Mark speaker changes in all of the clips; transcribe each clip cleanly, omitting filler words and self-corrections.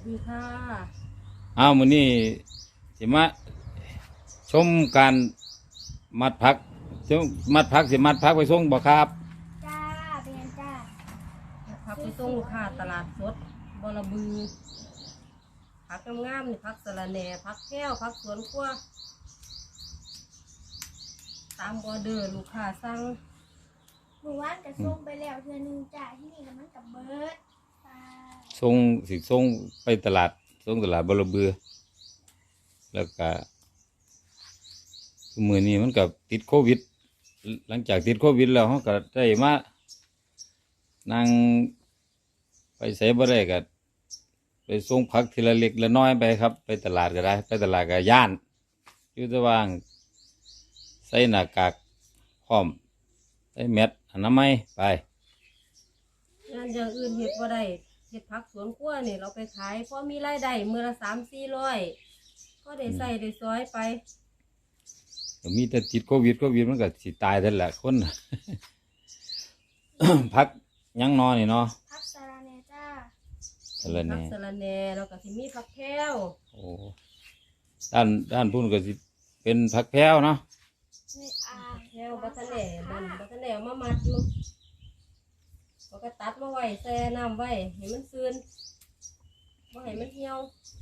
Speaker 1: ดีค่ะ
Speaker 2: มื้อนี้สิมาชมการมัดผักชมมัดผักสิมัดผักไปส่งบ่ครับ
Speaker 3: จ้าเป็นจ้า
Speaker 1: ผักไปส่งลูกค้าตลาดสดบรบือผักงามๆนี่ผักสะระแหน่ผักแก้วผักสวนครัวตามออเดอร์ลูกค้าสั่ง
Speaker 3: หมู่บ้านกับส่งไปแล้วเทือนึงจ้าที่นี่กับมันกับเบิร์ด
Speaker 2: ส่งไปตลาดส่งตลาดบรบือแล้วก็มื้อนี้มันก็ติดโควิดหลังจากติดโควิดแล้วเขาก็ได้มานั่งไปไสบ่ได้ก็ไปส่งผักทีละเล็กละน้อยไปครับไปตลาดก็ได้ไปตลาดก็ย่านอยู่ระหว่างใส่หน้ากากพร้อมใส่แมสอนามัยไป
Speaker 1: งานอย่างอื่นเฮ็ดบ่ได้เฮ็ดผักสวนครัวนี่เราไปขายพอมีรายได้มื้อละ3-400ก็ได้ใส่ได้ซอยไป
Speaker 2: ก็มีแต่ติดโควิดมันก็สิตายนั่นแหละคน พักยังนอนนี่เนาะ
Speaker 3: พักสาราเนจ้า
Speaker 2: สะระแหน่
Speaker 1: ผักสะระแหน่แล้วก็สิมีผักแพ้ว
Speaker 2: โอ้ด้านพุ่นก็สิเป็นผักแพรวเนาะ
Speaker 3: นี่
Speaker 1: แพ้วบัตรแหน่บัตรแหน่มามัดอยู่เราก็ตัดมาไว้แช่น้ำไว้ให้มันซึนบ่ให้มันเหี่ยว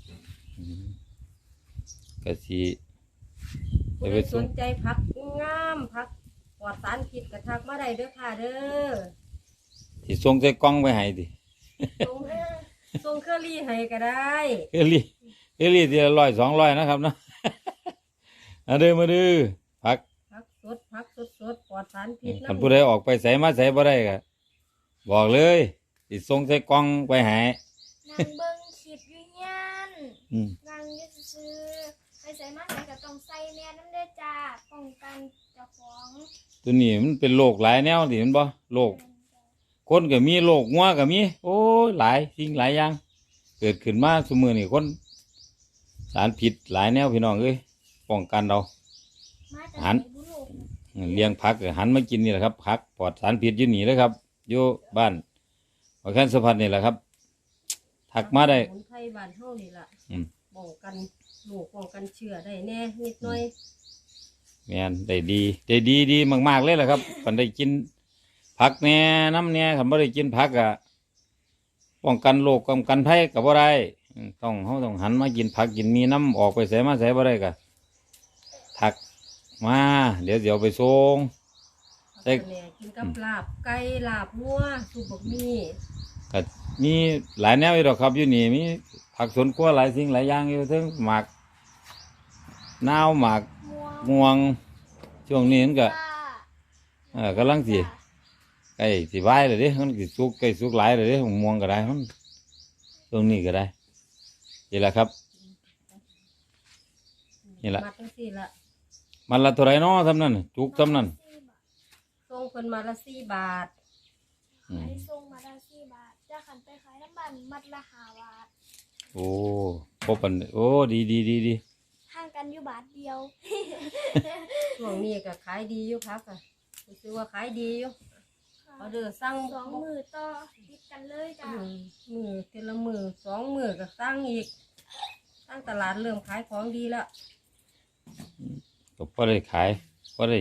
Speaker 2: ก็สิ
Speaker 1: ผู้ใดสนใจผักงามผักปลอดสารพิษกระทักมาได้เด้อค่ะเด้อ
Speaker 2: สิส่งใส่กล่องไปให้ดิ
Speaker 1: ส่งเคอรี่ให้ก็ได้
Speaker 2: เคอรี่ทีละ100-200นะครับเนาะ มาเด้อผัก
Speaker 1: สดปลอดสารพิษ
Speaker 2: คันผู้ใดออกไปไสมาไสบ่ได้ก็บอกเลยสิส่งใส่กล่องไปให้
Speaker 3: นางเบิ้งขีดยุยยันนางยืดซื้อไปใส่มาใส่กับต้องใส่แน่น้ำเด้อจ้าป้องกันเจ้าของ
Speaker 2: ตัวนี้มันเป็นโรคหลายแนวดิมันบ่โรคคนก็มีโรคงัวก็มีโอ้ยหลายสิ่งหลายอย่างเกิดขึ้นมาซุมื้อนี้คนสารพิษหลายแนวพี่น้องเอ้ยป้องกันเราหันเลี้ยงผักหันมากินนี่แหละครับผักปลอดสารพิษอยู่นี่เลยครับอยู่บ้านขอแค่สุพรรณนี่แหละครับถักมาได้
Speaker 1: สมุนไพรบ้านเฮานี่ล่ะป้องกันโรคป้องกันเชื้อได้แน่นิดหน่อย
Speaker 2: แม่นได้ดีมากๆเลยแหละครับคันได้กินผักแน่น้ำแน่คันบ่ได้กินผักอะป้องกันโรคป้องกันภัยก็บ่ได้ต้องหันมากินผักกินมีน้ำออกไปใส่มาใส่บ่ได้ก็ถักมาเดี๋ยวไปส่ง
Speaker 1: ใส่กินกับลาบไก่ลาบวัวสุกบกมี่
Speaker 2: ก็มีหลายแนวอยู่ดอกครับอยู่นี่มีผักสวนครัวหลายสิ่งหลายอย่างอยู่ทั้งหมากนาวหมากม่วงช่วงนี้มันก็กำลังสิใกล้สิใบเลยดิมันสิสุกใกล้สุกหลายเลยดิม่วงก็ได้มันช่วงนี้ก็ได้นี่แหละครับนี่แหละมันละเท่าไรเนาะทำนั่นจุกทำนั่น
Speaker 1: ส่งคนมาละ4 บาท
Speaker 3: ส่งมาละ4 บาทจะขันไปขายน้ำมันมัดละ5 บาท
Speaker 2: โอ้พบกันโอ้ดี
Speaker 3: ห่างกันอยู่บาทเดียว
Speaker 1: ช่วงนี้ก็ขายดีอยู่ครับอ่ะรู้ว่าขายดีอยู่ออเดอร์สั่ง
Speaker 3: 2 มื้อต่อติดกันเลยจ้ะ
Speaker 1: มื้อทีละมื้อ2 มื้อก็สั่งอีกตั้งตลาดเริ่มขายของดีแล้ว
Speaker 2: ก็พอได้ขายพอได้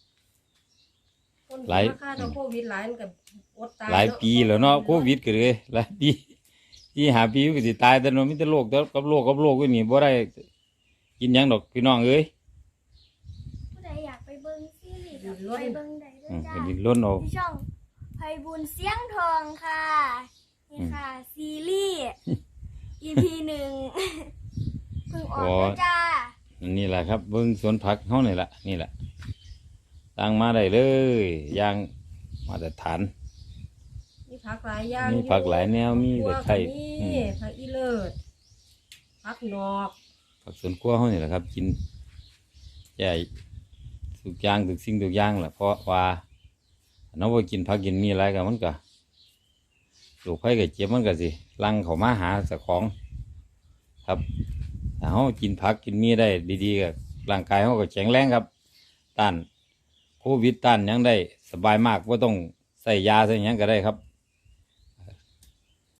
Speaker 1: หลายโควิดหลายกับอดตาย
Speaker 2: หลายปีแล้วเนาะโควิดก็เลยหลายปีที่5 ปีก็สิตายแต่เนาะมีแต่โรคกับโรคก็นี่บ่ได้กินหยังดอกพี่น้องเอ้ย
Speaker 3: ผู้ใดอยากไปเบิ่งซีรีส์ไปเบิ่งได้ด้วยจ้า
Speaker 2: ดินล้นเอา
Speaker 3: ที่ช่องไพบุญเสียงทองค่ะนี่ค่ะซีรีส์ EP 1 เพิ่งออกจ้า
Speaker 2: นี่แหละครับเบิ่งสวนผักเฮานี่แหละนี่แหละตั้งมาได้เลยอย่างมาตรฐาน
Speaker 1: มีผักหลายอย่าง
Speaker 2: มีผักหลายแนวมีตะไคร้
Speaker 1: ผักอีเลิศผักนอก
Speaker 2: ผักสวนครัวเฮานี่แหละครับกินใหญ่ทุกอย่างทุกสิ่งทุกอย่างแหละเพราะว่าน้องไปกินผักกินมีอะไรกันมันก็ลูกไผ่กับเจี๊ยบมันก็สิลังเข้ามาหาเจ้าของครับถ้าเฮากินผักกินมีได้ดีๆกับร่างกายเฮาก็แข็งแรงครับต้านโควิดต้านยังได้สบายมากว่าต้องใส่ยาใส่หยังก็ได้ครับ